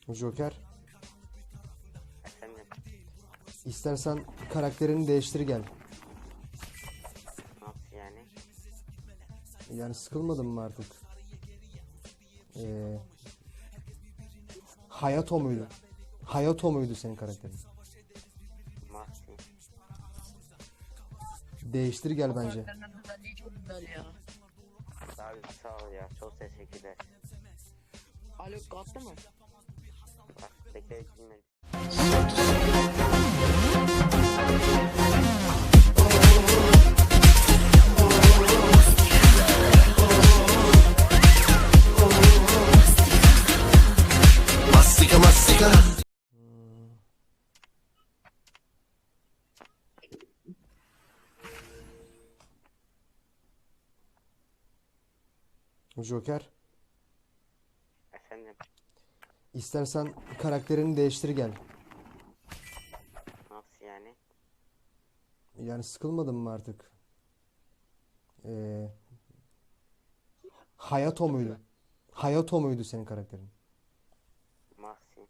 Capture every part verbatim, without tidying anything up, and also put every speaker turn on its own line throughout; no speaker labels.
Joker,
Efendim,
istersen karakterini değiştir gel.
nasıl yani?
Yani sıkılmadın mı artık? Ee, Hayato muydu? Hayato muydu senin karakterin?
Nasıl?
Değiştir gel bence.
Karakterlerin özelliği çok güzel ya.
Abi sağ ol ya, çok teşekkürler.
Alo kalktı mı?
Bak, bekle dinle.
Mastika mastika.
Joker,
Efendim,
istersen karakterini değiştir gel.
nasıl yani?
Yani sıkılmadın mı artık? Ee, Hayato muydu? Hayato muydu senin karakterin?
Nasıl?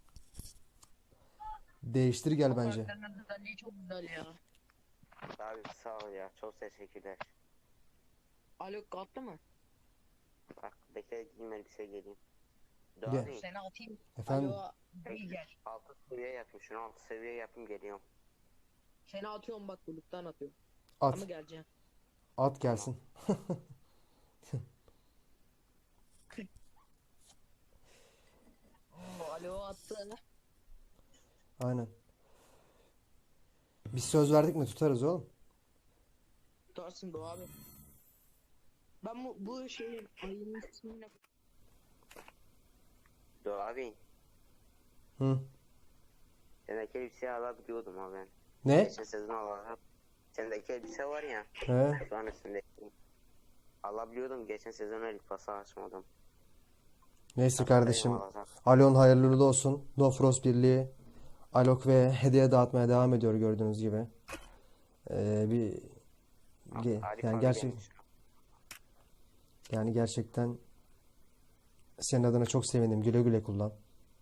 Değiştir gel bence.
Karakterlerin özelliği çok güzel ya.
Abi sağ ol ya, çok teşekkürler.
Alo kalktı mı?
Bak, bekle dinle bir şey geleyim.
Gel.
Doğru.
Seni atayım.
Efendim?
Alo iyi gel.
Altı seviye yapayım, şunu altı seviye yapayım geliyorum.
Seni atıyorum bak buluttan atıyorum.
At.
Ama geleceğim.
At gelsin.
Oo, alo attı.
Aynen. Biz söz verdik mi tutarız oğlum.
Tutarsın Doğu abi. Ben bu, bu şeyin ayının ismini
Doğru abi,
Hı.
sendeki elbiseyi alabiliyordum ha ben.
Ne?
Geçen sezon alarak. Sendeki elbise var ya,
He.
şu an üstündeki. Alabiliyordum, geçen sezon el pası açmadım.
Neyse kardeşim.
Alacak.
Alon hayırlı uğurlu olsun. No Frost Birliği Alok ve hediye dağıtmaya devam ediyor gördüğünüz gibi. Ee, bir ge-
Harika
yani
bir
gerçek
gelmiş.
yani gerçekten senin adına çok sevindim. Güle güle kullan.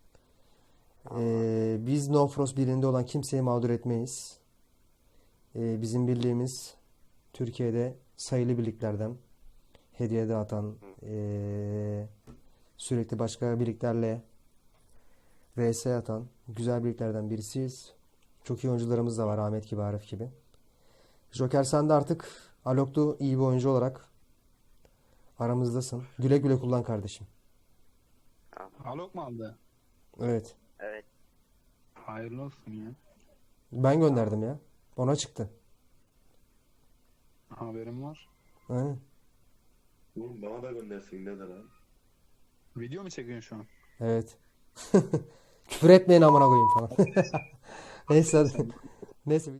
Ee, biz No Frost Birliği'nde olan kimseyi mağdur etmeyiz. Ee, bizim birliğimiz Türkiye'de sayılı birliklerden hediye dağıtan ee, sürekli başka birliklerle V S atan güzel birliklerden birisiyiz. Çok iyi oyuncularımız da var Ahmet gibi, Arif gibi. Joker sen de artık Alok'tu iyi bir oyuncu olarak aramızdasın. Güle güle kullan kardeşim.
Alok mu aldı?
Evet.
Evet.
Hayırlı olsun ya.
Ben gönderdim ya. Ona çıktı.
Haberim var.
Aynen.
Oğlum bana da göndersin nedir abi?
Video mu çekiyorsun şu an?
Evet. Küfür etmeyin amına koyayım falan. Neyse hadi. Neyse.